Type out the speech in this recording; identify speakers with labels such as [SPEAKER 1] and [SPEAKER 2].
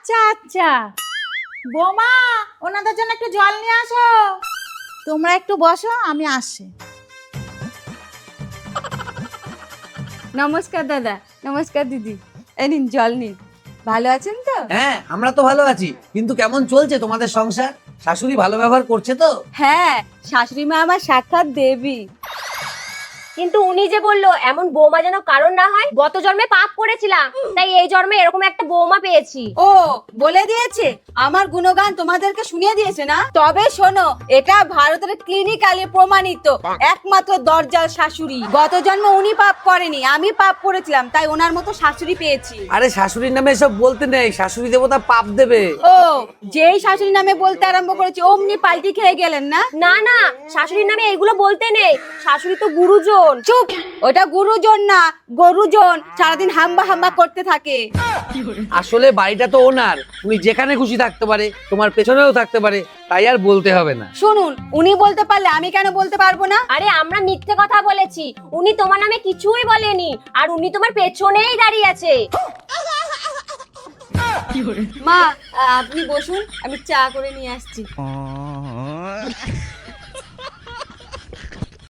[SPEAKER 1] আচ্ছা আচ্ছা, বোমা ওনাদের জন্য একটু জল নিয়ে আসো। তোমরা একটু বসো, আমি আসছি।
[SPEAKER 2] নমস্কার দাদা, নমস্কার দিদি। এই নিন জল নিন। ভালো আছেন তো?
[SPEAKER 3] হ্যাঁ, আমরা তো ভালো আছি, কিন্তু কেমন চলছে তোমাদের সংসার? শাশুড়ি ভালো ব্যবহার করছে তো?
[SPEAKER 2] হ্যাঁ, শাশুড়ি মা আমার সাক্ষাৎ দেবী।
[SPEAKER 4] কিন্তু উনি যে বললো এমন বৌমা যেন কারণ না হয়, গত জন্মে পাপ করেছিলাম, তাই এই জন্মে এরকম একটা বৌমা পেয়েছি।
[SPEAKER 2] ও বলে দিয়েছে, আমার গুণগান তোমাদেরকে শুনিয়ে দিয়েছে না? তবে শোনো, এটা ভারতের ক্লিনিক্যালি প্রমাণিত একমাত্র দরজাল শাশুড়ি। গত জন্ম উনি পাপ করেনি, আমি পাপ করেছিলাম, তাই ওনার মতো শাশুড়ি পেয়েছি।
[SPEAKER 3] আরে শাশুড়ির নামে এসব বলতে নেই, শাশুড়ি দেবতা পাপ দেবে।
[SPEAKER 2] ও যেই শাশুড়ি নামে বলতে আরম্ভ করেছি অমনি পাল্টি খেয়ে গেলেন না?
[SPEAKER 4] না না, শাশুড়ির নামে এগুলো বলতে নেই, শাশুড়ি তো গুরুজন।
[SPEAKER 2] চুপ, ওটা গুরুজন না, গরুজন। সারাদিন হাম্বা হাম্বা করতে থাকে।
[SPEAKER 3] আসলে বাড়িটা তো ওনার, উনি যেখানে খুশি থাকতে পারে, তোমার পেছনেও থাকতে পারে, তাই আর বলতে হবে না।
[SPEAKER 2] শুনুন, উনি বলতে পারলে আমি কেন বলতে পারবো না?
[SPEAKER 4] আরে আমরা মিথ্যে কথা বলেছি, উনি তোমার নামে কিছুই বলেনি, আর উনি তোমার পেছনেই দাঁড়িয়ে আছে।
[SPEAKER 2] মা, আপনি বসুন, আমি চা করে নিয়ে আসছি।